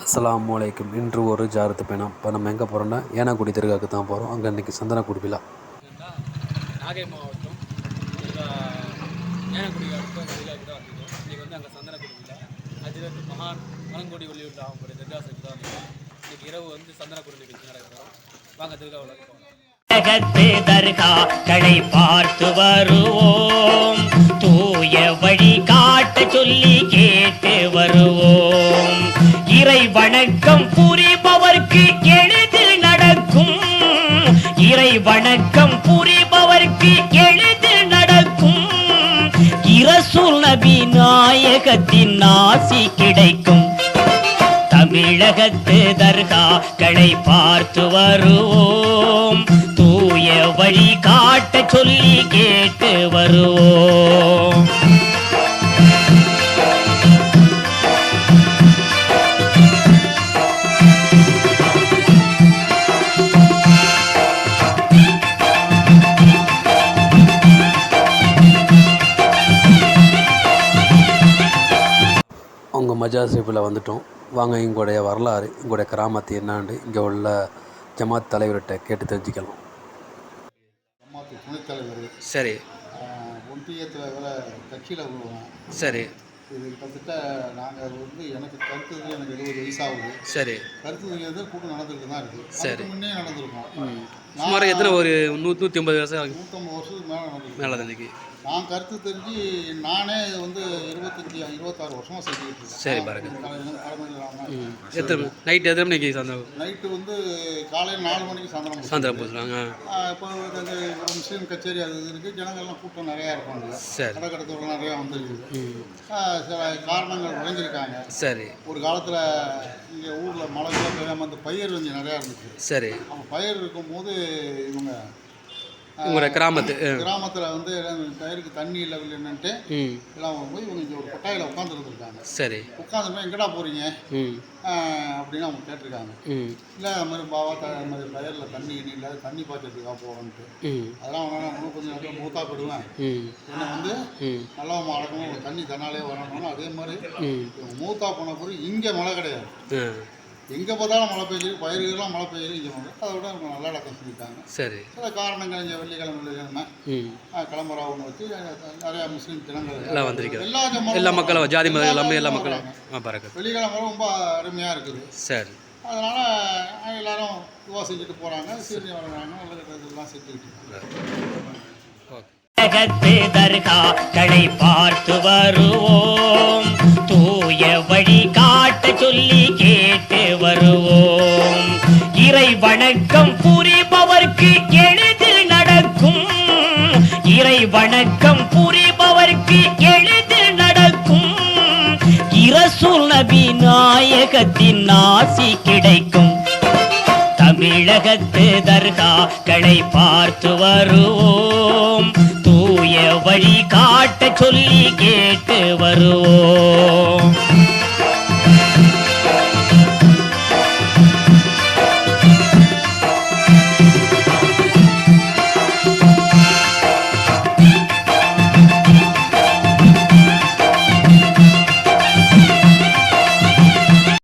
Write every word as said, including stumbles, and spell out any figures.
அஸ்ஸலாமு அலைக்கும். இன்று ஒரு ஜாரத்து பயணம். இப்போ நம்ம எங்கே போகிறோம்னா ஏனாக்குடி தர்காவுக்கு தான் போகிறோம். அங்கே இன்றைக்கி சந்தனக்கூடு விழா. நாகை மாவட்டம் ஏனாக்குடி தர்காவுக்கு தான் வந்துருக்கோம். இன்றைக்கி வந்து அங்கே சந்தனக்கூடு விழா. அதில் மகான் மலங்கோடி வெளியூரில் அவங்களுடைய தர்கா சைட்டு தான் வந்துருக்கோம். இன்றைக்கி இரவு வந்து சந்தனக்கூடு நிகழ்ச்சி நடக்கிறோம். வாங்க தர்காவில் போகிறோம். தர்காக்களை பார்த்து வருவோம், தூய வழி காட்ட சொல்லி கேட்டு வருவோம். இறை வணக்கம் புரிபவர்க்கு எளிதில் நடக்கும், இறை வணக்கம் புரிபவர்க்கு எளிதில் நடக்கும். இரசூல் நபி நாயகத்தின் ஆசி கிடைக்கும். தமிழகத்து தர்காக்களை பார்த்து வருவோம், தூய வழி காட்ட சொல்லி கேட்டு வருவோம். அவங்க மஜார் ஷெரீஃபில் வந்துட்டோம். வாங்க இங்களுடைய வரலாறு, இங்களுடைய கிராமத்து என்னான்னு இங்கே உள்ள ஜமாத் தலைவர்கிட்ட கேட்டு தெரிஞ்சுக்கலாம். ஜமாத்து துணைத் தலைவர். சரி. ஒன்றியத்தில் வேலை கட்சியில் உள்ளவங்க. சரி. இது கிட்டத்தட்ட நாங்கள் வந்து எனக்கு கருத்து எனக்கு எழுபது வயசாகுது. சரி. கருத்து தெரியாது கூட்டம் நடந்துக்கிட்டு தான் இருக்குது. சரி. முன்னே நடந்திருக்கோம். சுமார் எத்தனை ஒரு நூற்றி நூற்றி ஐம்பது வருஷம் நூற்றம்பது வருஷத்துக்கு மேலே நடந்திருக்கு. மேலே தான். நான் கருத்து தெரிஞ்சு நானே வந்து இருபத்தஞ்சி இருபத்தாறு வருஷமாக செஞ்சுக்கிட்டு இருக்கேன். சரி பாருங்க. தலைமையில் எத்தனை நைட்டு எத்தனை மணிக்கு சாயந்தரம்? நைட்டு வந்து காலையில் நாலு மணிக்கு சாயந்தரம் சாயந்தரம் போச்சுறாங்க. இப்போ ஒரு முஸ்லீம் கச்சேரி அது இருக்குது. ஜனங்கள்லாம் கூட்டம் நிறையா இருப்பாங்க. சரி. கடற்கடத்தோடு நிறையா வந்துருக்குது. சில காரணங்கள் உழைஞ்சிருக்காங்க. சரி. ஒரு காலத்தில் இங்கே ஊரில் மழைக்கெல்லாம் பெய்யாமல் அந்த பயிர் கொஞ்சம் நிறையா இருந்துச்சு. சரி. அவங்க பயிர் இருக்கும்போது இவங்க உங்களோட கிராமத்து கிராமத்தில் வந்து பயிருக்கு தண்ணி இல்லை இல்லைன்னுட்டு எல்லாம் போய் இவங்க இங்கே ஒரு கொட்டாயில் உட்காந்துருந்துருக்காங்க. சரி. உட்காந்துருந்தா எங்கடா போகிறீங்க அப்படின்னு அவங்க கேட்டிருக்காங்க. இல்லை அது மாதிரி பாவா த அது மாதிரி பயிரில் தண்ணி இனி இல்லாத தண்ணி பாய்ச்சறதுக்காக போகிறோன்ட்டு. அதெல்லாம் அவனால் இன்னும் கொஞ்சம் நேரத்தில் மூத்தா போயிடுவேன். என்னை வந்து நல்லா அடக்கணும், தண்ணி தன்னாலே வரணும்னு. அதே மாதிரி மூத்தா போன பிறகு இங்கே மழை கிடையாது. எங்கே பார்த்தாலும் மழை பெய்யுது, பயிர்கள்லாம் மழை பெய்யுது. இங்கே வந்து அதை விட அவங்க நல்லா அடக்கம் சொல்லிட்டாங்க. சரி. சில காரணங்கள் இங்கே வெள்ளிக்கிழமை வெள்ளிக்கிழமை கிளம்புறா ஒன்று வச்சு நிறையா முஸ்லீம் தினங்கள் எல்லாம் வந்திருக்கு. எல்லா எல்லா மக்களும் ஜாதி மதம் எல்லாமே எல்லா மக்களும் வெள்ளிக்கிழமை ரொம்ப அருமையாக இருக்குது. சரி. அதனால் எல்லாரும் துவா செஞ்சுட்டு போகிறாங்க, சீர்னி வர்றாங்க, நல்ல இதெல்லாம் செஞ்சுக்கிட்டு தர்காக்களை பார்த்து வருவோம், தூய வழி காட்ட சொல்லி கேட்டு வருவோம். இறை வணக்கம் புரிபவர்க்கு எளிதில் நடக்கும், இறை வணக்கம் புரிபவர்க்கு எளிதில் நடக்கும். இரசூல் நபி நாயகத்தின் ஆசி கிடைக்கும். தமிழகத்து தர்காக்களை பார்த்து வருவோம், தூய வழி காட்ட சொல்லி கேட்டு வருவோம்.